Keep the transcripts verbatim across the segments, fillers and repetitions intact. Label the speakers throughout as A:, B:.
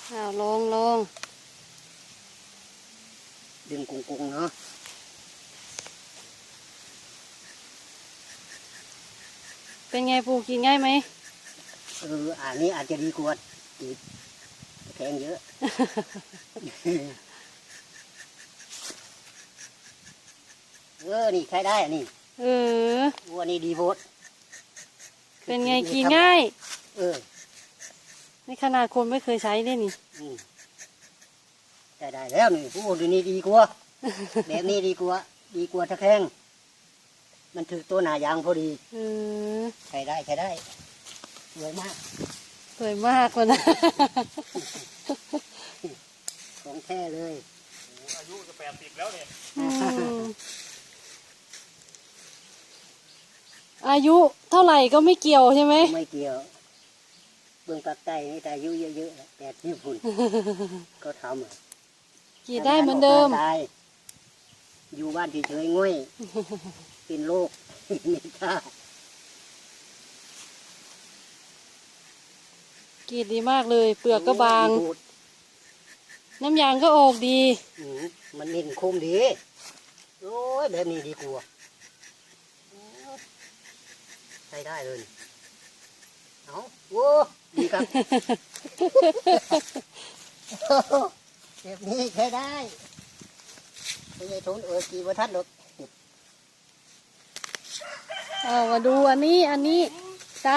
A: อ้าวลงลง
B: ดึงกุ้งๆเนาะ
A: เป็นไงปูกินง่ายไหม
B: เอออันนี้อาจจะดีกว่าอีกแข็งเยอะ เออนี่ใช้ได้อันนี้
A: เออ
B: วัวนี่ดีโพด
A: เป็นไงกินง่าย
B: เออ
A: ในขนาดคนไม่เคยใช้เนี่ยนี่
B: ใช้ได้แล้วนี่ผู้ดีนี่ดีกว่า แบบนี้ดีกว่าดีกว่าตะแคงมันถือตัวหนายางพอดี
A: เออ
B: ใช้ได้ใช้ได้สวยมาก
A: สวยมากเลยนะ
B: ของแท้เลย
C: อายุจะแปดสิบแล้วเนี่ย
A: อายุเท่าไหร่ก็ไม่เกี่ยวใช่ไหม
B: ไม่เกี่ยวเบื้องปากใต้นี่แต่อายุเยอะๆแปดสิบพุ่นก็ท
A: ำกี่ได้เหมือนเดิม
B: อยู่บ้านเฉยๆง่อยเป็นโรคไม่กล้า
A: กีดดีมากเลยเปลือกก็บางน้ำยางก็ออกดี
B: มันเล่นคมดีโอ้ยแบบนี้ดีกว่าใช้ได้เลยเอาโว้ดีครับแบบนี้ใช้ได้ไม่ใช่ทุนเออกี่วันทัดหรอก
A: เอามาดูอันนี้อันนี้จ้า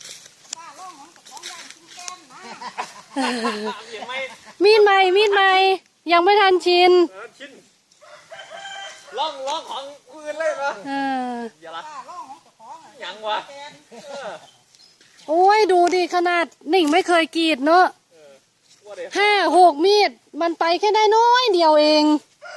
A: มีดใหม่มีดใหม่ยังไม่ทันชิน
C: ชินล่องล่องของอื่นเลยนะอย่าละยังวะ
A: โอ้ยดูดิขนาดหนิงไม่เคยกรีดเนอะห้าหกมีดมันไปแค่ได้น้อยเดียวเอง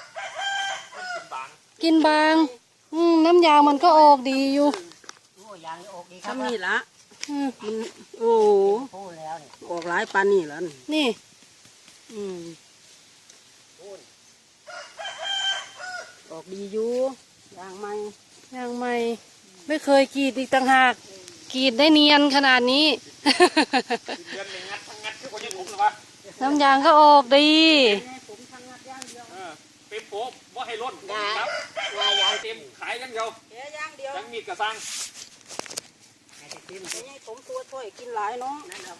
A: กินบางอืมน้ำยางมันก็ออกดีอยู่
B: ทำนี่ละ
A: มันโอ้
B: ออกหลายปานนี่แล้ว
A: นี่อืม
B: ออกดีอยู่ยางใหม่
A: ยางใหม่ไม่เคยกรีดอีกต่างหากกรีดได้เนียนขนาดนี้น้ำยางก็ออกดี
C: เป็นโป๊ะว่าให้ล้นครับยางเต็มขายยังเดียวยังมีกระซัง
B: ผมตัวช่วยกินหลายเนาะ